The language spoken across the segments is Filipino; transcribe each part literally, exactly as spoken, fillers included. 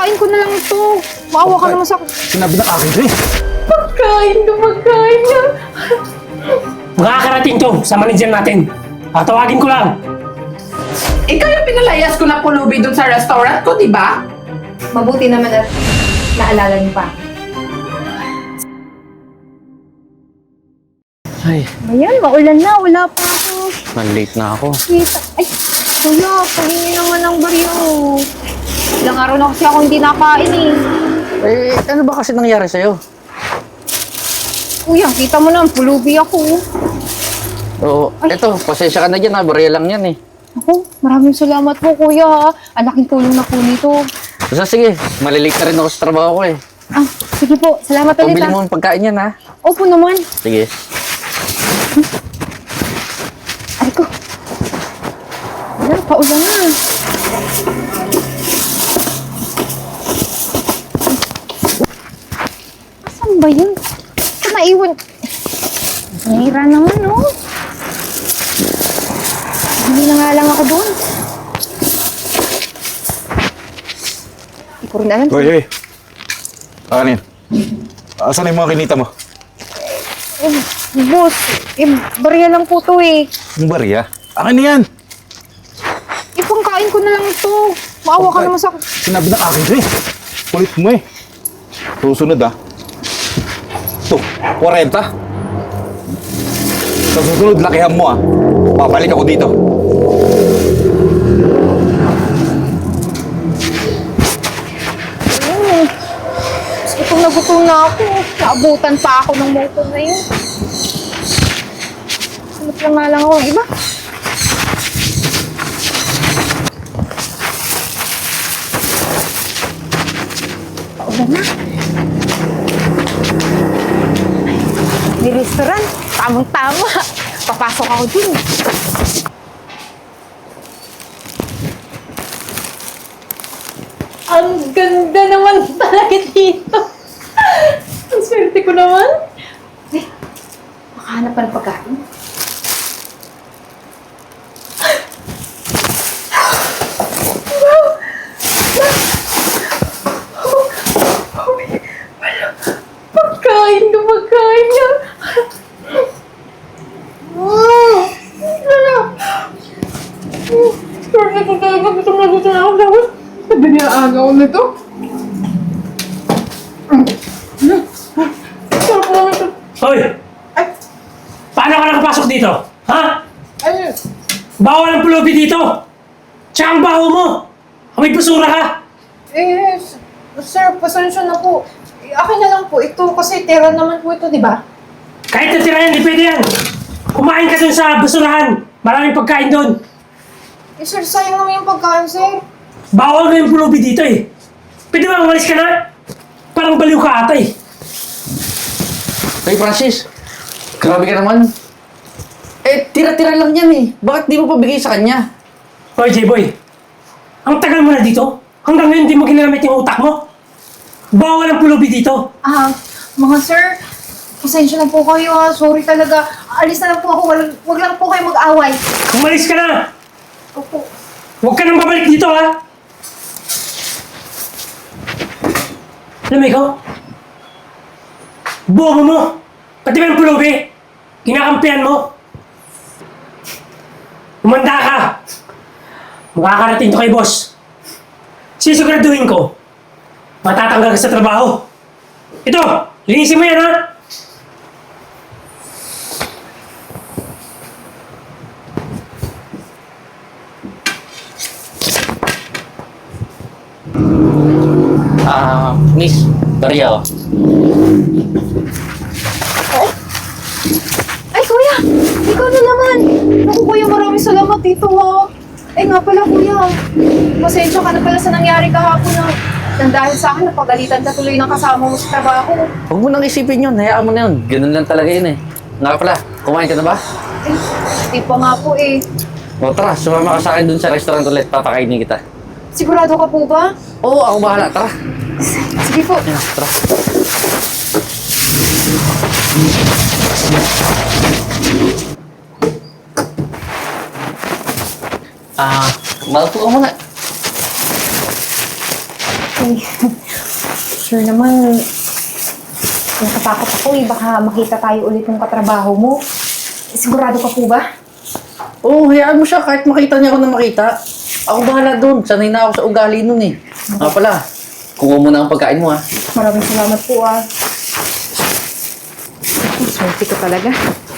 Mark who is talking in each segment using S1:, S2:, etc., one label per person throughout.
S1: Ipangkain ko na lang ito. Maawa ka naman sa...
S2: Sinabi ng akin to eh.
S1: Pagkain ka, pagkain niya.
S3: Makakarating to sa manager natin. Tatawagin ko lang.
S4: Ikaw yung pinalayas ko na pulubi dun sa restaurant ko, di ba?
S1: Mabuti naman at naalala niyo pa.
S2: Ay,
S1: Ayan, maulan na. Wala pa ako.
S2: malate na ako.
S1: Kita. Ay, kuya, pahingi naman ng baryo. Ilang araw na kasi ako hindi nakain eh.
S2: Eh, ano ba kasi nangyari sa'yo?
S1: Kuya, kita mo naman, pulubi ako.
S2: Oo, eto, pasensya ka na dyan ha, barya lang yan eh.
S1: Ako, maraming salamat po kuya ha. Ang laking tulong na po nito.
S2: Basta sige, malilate na rin ako sa trabaho ko eh.
S1: Ah, sige po. Salamat ulit
S2: Pabili
S1: ha.
S2: mo ng pagkain yan ha.
S1: Opo naman.
S2: Sige.
S1: Ay ko. Wala, paulan na. Asan ba yun? Ito naiwan. Nahira naman, no? Hindi na nga lang ako doon. Hindi ko rin alam.
S5: Hoy, hoy. Akanin. Asan yung mga kinita mo?
S1: Eh, boss, eh, barya lang po to eh.
S5: Yung barya? Akin na yan.
S1: Ipangkain ko na lang ito. Maawa ka
S5: Pagkain.
S1: naman sa...
S5: Sinabi ng akin to eh. Kulit mo eh. Susunod ah. Ito, forty. Sa susunod, lakihan mo ah. Babalik ako dito.
S1: Mm. Gutom na gutom na ako. Naabutan pa ako ng motor na yun. Sunod lang nga lang ako ng iba. Paulan na. May restaurant. Tamang-tama. Papasok ako dun. Ang ganda naman talaga dito. Ang swerte ko naman. Eh, makahanap pa ng pagkain. Pagkain ka, pagkain ka. Wow! Wala. Swerte ko talaga. Gutom na gutom na ako. Tapos,
S4: Sabi niya agaw nito.
S1: sarap naman ito.
S3: Hoy! Paano ka nakapasok dito? Ha?
S4: Ay,
S3: Bawal ang pulubi dito! Tsaka ang baho mo! May basura ka!
S1: Eh, s- sir, pasensya na po. Eh, akin na lang po ito kasi tira naman po ito, di ba?
S3: Kahit natira yan, di pwede yan! Kumain ka dun sa basurahan! Maraming pagkain dun!
S1: Eh, sir, sayang naman yung pagkain, sir.
S3: Bawal na yung pulubi dito eh! Pwede ba umalis ka na? Parang baliw ka ata eh!
S2: Hey Francis, grabe ka naman. Eh, tira-tira lang yan eh. Bakit di mo pabigay sa kanya?
S3: Hoy, J-Boy! Ang tagal mo na dito? Hanggang ngayon di mo ginamit yung utak mo? Bawal ang pulubi dito!
S1: Ah, mga sir, pasensya na po kayo ha. Sorry talaga. Alis na lang po ako. Wag, wag lang po kayo mag-away.
S3: Umalis ka na!
S1: Opo.
S3: Huwag ka nang babalik dito ha! Alam mo ikaw? Bobo mo! Pati ba yung pulubi? Kinakampihan mo? Umanda ka! Makakarating to kay boss. Sisiguraduhin ko, matatanggal ka sa trabaho. Ito! Linisin mo yan ha!
S2: Ah, miss, barya oh.
S1: Ay, kuya! Ikaw na naman! Naku, kuya, maraming salamat dito ha. Eh nga pala, kuya. Pasensya ka na pala sa nangyari kahapon na nang dahil sa akin, napagalitan ka tuloy ng kasama mo sa trabaho.
S2: Huwag mo nang isipin yun, hayaan mo na yun. Ganun lang talaga yun eh. Nga pala, kumain ka na ba?
S1: Eh, di pa nga po eh.
S2: O tara, sumama ka sa akin dun sa restaurant ulit, papakainin kita.
S1: Sigurado ka po ba?
S2: Oo, ako bahala, tara.
S1: Sige po.
S2: Ayan, tara. Ah, maupo ka muna.
S1: Ay, sure naman, natatakot ako eh. Baka makita tayo ulit ng katrabaho mo. Sigurado ka po ba?
S2: Oo, oh, hayaan mo siya kahit makita niya ako na makita. Ako bahala doon. Sanay na ako sa ugali nun eh. Nga pala, kuha mo na ang pagkain mo ha.
S1: Maraming salamat po ah. Swerte ka talaga.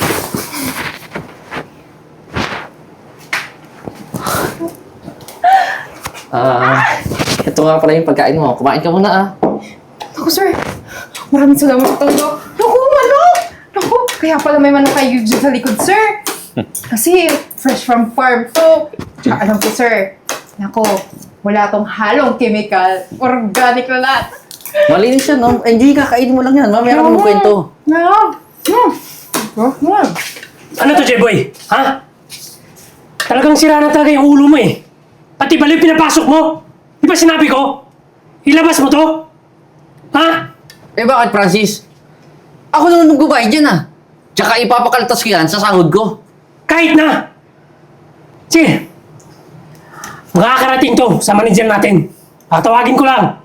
S2: Ah, ito nga pala yung pagkain mo. Kumain ka muna ah.
S1: Naku, sir. Maraming salamat sa todo. Naku, manok! Naku, kaya pala may manok kayo dyan sa likod, sir. Kasi fresh from farm to. Tsaka alam ko, sir. Naku, wala tong halong chemical. Organic na lahat.
S2: Malinis siya, no? Eh, hindi, kakainin mo lang yan. Mamaya ka mo kwento.
S1: No. Hmm. Hmm.
S3: Ano to, J-Boy? Ha? Talagang sira na talaga yung ulo mo eh. Pati baliw pinapasok mo. Di ba sinabi ko? Ilabas mo to? Ha?
S2: Eh, bakit, Francis? Ako naman magbabayad dyan ah. Tsaka ipapakaltas ko yan sa sahod ko.
S3: Kahit na! Sige. Makakarating to sa manager natin. Tatawagin ko lang.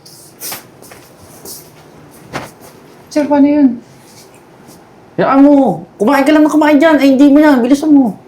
S1: Sir, paano yun?
S2: Hayaan mo. Kumain ka lang na kumain dyan. Ay, hindi mo yan. Bilisan mo.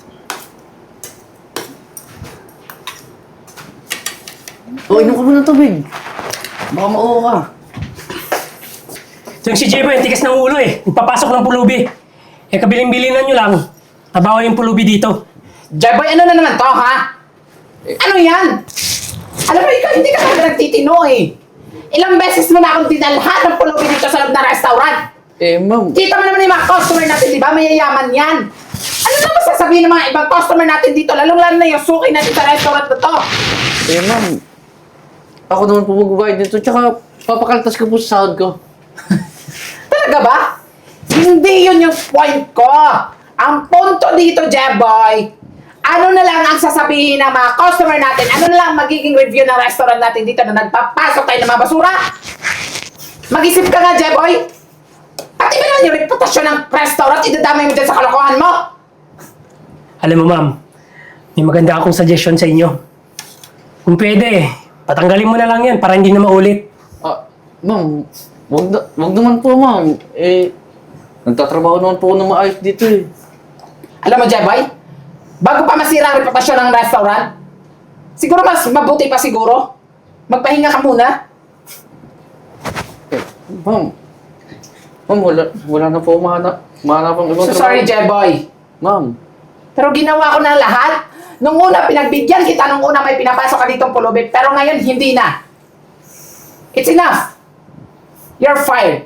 S2: O, inom ka muna ng tubig. Baka mauho ka.
S3: Ito yung si J-Boy, ang tigas ng ulo eh. Nagpapasok ng pulubi. Eh, kabiling-bilinan nyo lang. Nabawa yung pulubi dito.
S4: Jeboy, ano na naman to, ha? Ano yan? Alam mo, ikaw hindi ka talaga nagtitino eh. Ilang beses mo na akong dinalhan ng pulubi dito sa loob ng restaurant.
S2: Eh, ma'am.
S4: Kita mo naman yung mga customer natin, di ba? Mayayaman yan. Ano na masasabihin ng mga ibang customer natin dito? Lalong-lalo na yung suki natin sa restaurant na to.
S2: Eh, ma'am. Ako naman po magbabayad dito. Tsaka, papakaltas ko po sa sahod ko.
S4: Talaga ba? Hindi yun yung point ko. Ang punto dito, Jeboy, ano na lang ang sasabihin ng mga customer natin? Ano na lang magiging review ng restaurant natin dito na nagpapasok tayo ng mga basura? Mag-isip ka nga, Jeboy. Pati ba naman yung reputasyon ng restaurant, idadamay mo dyan sa kalokohan mo?
S3: Alam mo, ma'am, may maganda akong suggestion sa inyo. Kung pwede, patanggalin mo na lang yan para hindi na maulit.
S2: Ah, ma'am. Wag, na, wag naman po, ma'am. Eh, nagtatrabaho naman po ako ng maayos dito eh.
S4: Alam mo, Jeboy, bago pa masira ang reputasyon ng restaurant, siguro mas mabuti pa siguro. Magpahinga ka muna.
S2: Eh, ma'am. Ma'am, wala, wala na po mahanap. Mahanap ang ibang
S4: So sorry, Jeboy.
S2: Ma'am.
S4: Pero ginawa ko na lahat. Nung una, pinagbigyan kita. Nung una, may pinapasok ka ditong pulubi. Pero ngayon, hindi na. It's enough. You're fired.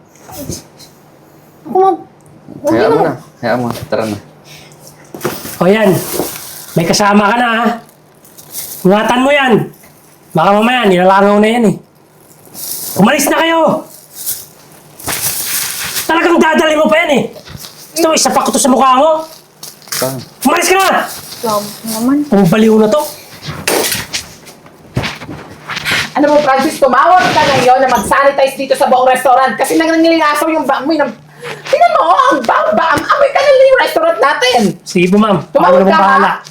S1: Ako, ma'am. Huwag
S2: Hayaan
S1: yun
S2: mo
S1: ako.
S2: na. Hayaan mo. Tara na.
S3: O yan, may kasama ka na ha. Ingatan mo yan. Baka mamaya, nilalangaw na yan eh. Umalis na kayo! Talagang dadali mo pa yan eh. Gusto mo, isapak ko to sa mukha mo.
S2: Tara.
S3: Umalis ka na!
S1: Salamat naman.
S3: Ang baliw na to.
S4: Ano mo, Francis, tumawag ka ngayon na mag-sanitize dito sa buong restaurant kasi nangangilingasaw yung baamoy ng... Tingnan mo, ang bang-bang, amoy ka na yung restaurant natin.
S3: Sige po ma'am, ako
S4: Tumawag
S3: naman
S4: ka,
S3: bahala.
S4: ha?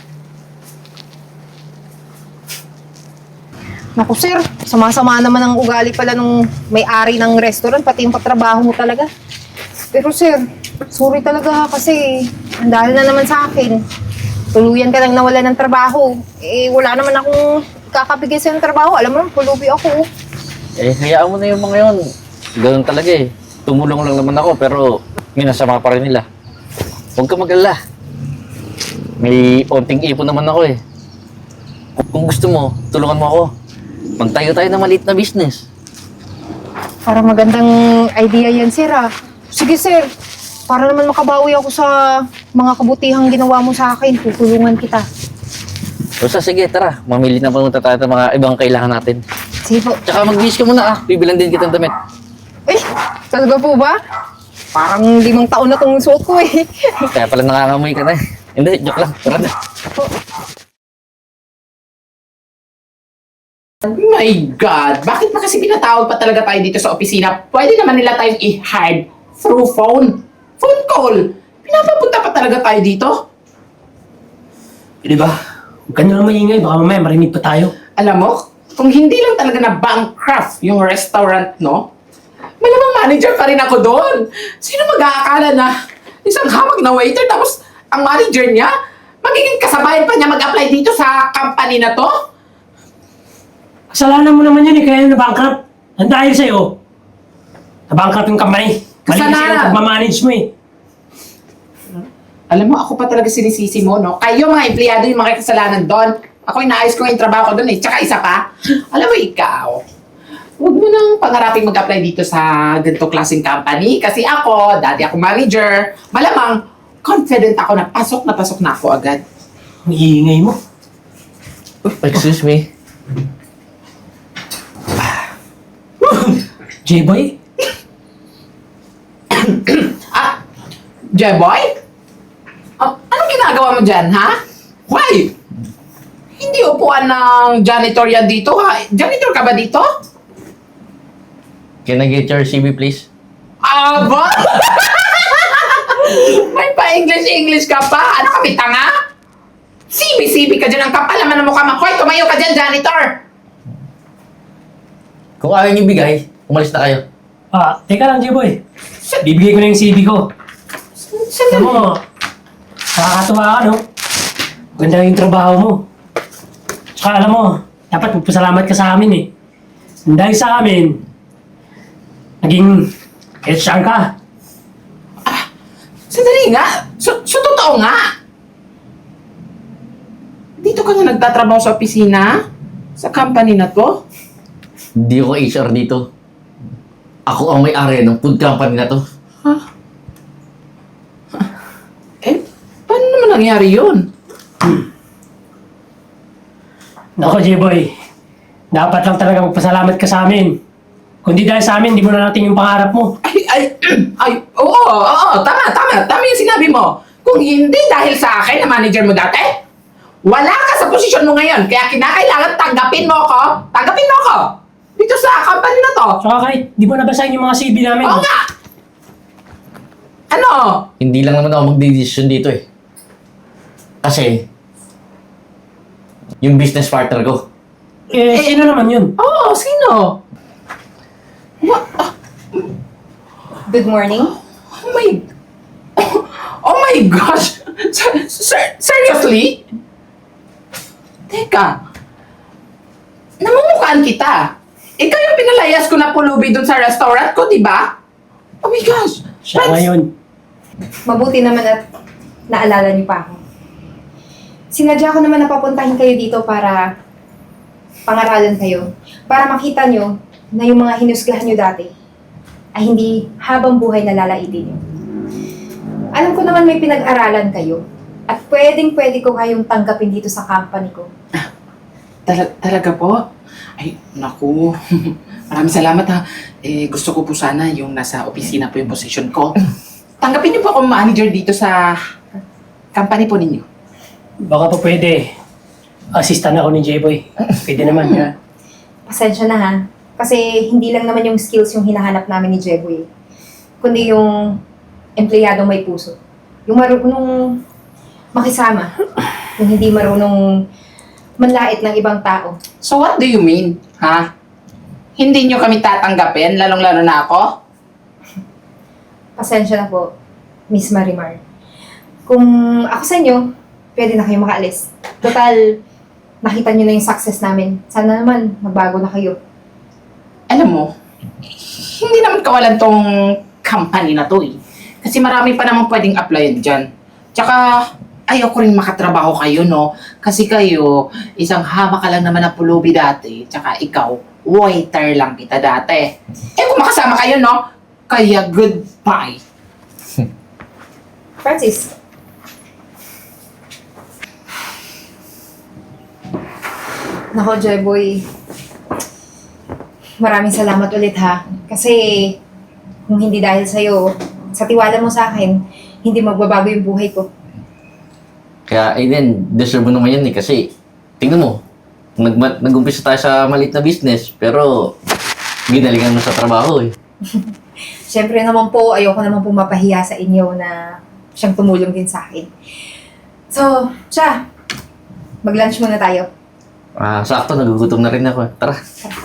S1: Naku, sir. Sama-sama naman ang ugali pala nung may-ari ng restaurant, pati yung katrabaho mo talaga. Pero sir, sorry talaga kasi ang dahil na naman sa akin. Tuluyan ka nang nawala ng trabaho. Eh, wala naman akong kakabigay sa trabaho. Alam mo naman, pulubi ako.
S2: Eh, hayaan mo na yung mga yun. Ganun talaga eh. Tumulong lang naman ako, pero minasama pa rin nila. Huwag ka mag-alala. May onting ipon naman ako eh. Kung gusto mo, tulungan mo ako. Magtayo tayo ng maliit na business.
S1: Para magandang idea yan, sir ah. Sige, sir. Para naman makabawi ako sa mga kabutihang ginawa mo sa akin, tutulungan kita.
S2: Basta sige, tara. Mamili na pumunta tayo ng mga ibang kailangan natin.
S1: Sige po.
S2: Tsaka mag-wish ka muna ah. Bibilan din kitang damit.
S1: Eh, talaga po ba? Parang limang taon na tong suot ko eh.
S2: Kaya pala nangangamoy ka na eh. Hindi, joke lang. Tara na.
S4: My God! Bakit pa kasi pinatawag pa talaga tayo dito sa opisina? Pwede naman nila tayong i-hide through phone. Phone call! Pinapapunta pa talaga tayo dito?
S3: Di ba? Huwag ka na lang maingay, baka mamaya marinig pa tayo.
S4: Alam mo, kung hindi lang talaga na bankrupt yung restaurant, no? Malamang manager pa rin ako doon. Sino mag-aakala na isang hamag na waiter tapos ang manager niya, magiging kasabayan pa niya mag-apply dito sa company na to?
S3: Kasalanan mo naman yun eh, kaya na-bankrupt. Ang dahil sa'yo. Na-bankrupt yung company. Mali kasi
S4: Kasalanan.
S3: yung pagmamanage mo eh.
S4: Alam mo, ako pa talaga sinisisi mo, no? Kayo mga empleyado yung mga kasalanan doon. Ako inaayos ko yung trabaho ko doon eh. Tsaka isa pa, alam mo ikaw, huwag mo nang pangaraping mag-apply dito sa ganito klaseng company. Kasi ako, dati ako manager, malamang confident ako na pasok na pasok na ako agad.
S3: Ang iingay mo.
S2: Excuse me.
S3: J-boy?
S4: Ah, Jeboy? Ah, anong ginagawa mo dyan, ha? Why? Hindi upuan ng janitor yan dito, ha? Janitor ka ba dito?
S2: Can I get your C V, please?
S4: Aba! May pa-English-English ka pa? Ano kami, tanga? Sibi-sibi ka dyan ang kapal naman ng mukha mo. Hoy, tumayo ka dyan, janitor!
S2: Kung ayaw niyo bigay, umalis na kayo.
S3: Ah, teka lang J-boy. Bibigay ko na yung C V ko. Alam mo, nakakatuwa ka, no? Maganda yung trabaho mo. Tsaka alam mo, dapat magpasalamat ka sa amin eh. Dahil sa amin, naging H R ka.
S4: Sandali nga. So, so totoo nga. Dito ka na nagtatrabaho sa opisina? Sa company na to?
S2: Hindi ako H R dito. Ako ang may-ari ng food company na to.
S4: Ha? Eh, paano naman nangyari yun?
S3: Nako J-boy, dapat lang talaga magpasalamat ka sa amin. Kundi dahil sa amin, di mo na natin yung pangarap mo.
S4: Ay, ay, ay, oo, oo, tama, tama, tama yung sinabi mo. Kung hindi dahil sa akin na manager mo dati, wala ka sa posisyon mo ngayon. Kaya kinakailangan tanggapin mo ako, tanggapin mo ako dito sa company na to.
S3: Tsaka kahit di mo nabasahin yung mga C V namin.
S4: Oo nga. Ano?
S2: Hindi lang naman ako magdidesisyon dito eh. Kasi, yung business partner ko.
S3: Eh, sino naman yun?
S4: Oo, sino? What? Ah,
S1: Good morning.
S4: oh my... Oh my gosh! Ser- ser- seriously? Teka. Namumukhaan kita. Ikaw yung pinalayas ko na pulubi dun sa restaurant ko, di ba? Oh my gosh!
S3: Siya
S4: Friends,
S3: ngayon.
S1: Mabuti naman at naalala niyo pa ako. Sinadya ko naman na papuntahin kayo dito para pangaralan kayo. Para makita nyo na yung mga hinusgahan nyo dati ay hindi habang buhay na lalaitin nyo. Alam ko naman may pinag-aralan kayo at pwedeng-pwede ko kayong tanggapin dito sa company ko.
S4: Tala- talaga po? Ay, naku. Maraming salamat ha. Eh, gusto ko po sana yung nasa opisina po yung position ko. Tanggapin niyo po akong manager dito sa company po ninyo.
S3: Baka pa pwede. Assistant ako ni J-boy. Pwede naman. Ha?
S1: Pasensya na ha. Kasi hindi lang naman yung skills yung hinahanap namin ni Jeboy. Kundi yung empleyadong may puso. Yung marunong makisama. Yung hindi marunong manlait ng ibang tao.
S4: So what do you mean, ha? Hindi niyo kami tatanggapin, lalong-lalo na ako?
S1: Pasensya na po, Miss Marimar. Kung ako sa inyo, pwede na kayo makaalis. Total, nakita niyo na yung success namin. Sana naman, magbago na kayo.
S4: Alam mo, hindi naman kawalan tong company na to eh. Kasi marami pa naman pwedeng applyan dyan. Tsaka, ayaw ko rin makatrabaho kayo, no? Kasi kayo, isang hama ka lang naman na pulubi dati. Tsaka ikaw, waiter lang kita dati. Eh kung makasama kayo, no? Kaya goodbye.
S1: Francis. Nako, Jeboy. Maraming salamat ulit ha. Kasi kung hindi dahil sa'yo, sa tiwala mo sa akin, hindi magbabago yung buhay ko.
S2: Kaya, Aiden, deserve mo naman yan eh. Kasi, tingnan mo, nag nag-umpisa tayo sa maliit na business, pero ginalingan mo sa trabaho eh.
S1: Siyempre naman po, ayoko naman po mapahiya sa inyo na siyang tumulong din sa akin. So, siya, mag-lunch muna tayo.
S2: Ah, sakto, nagugutom na rin ako. Tara.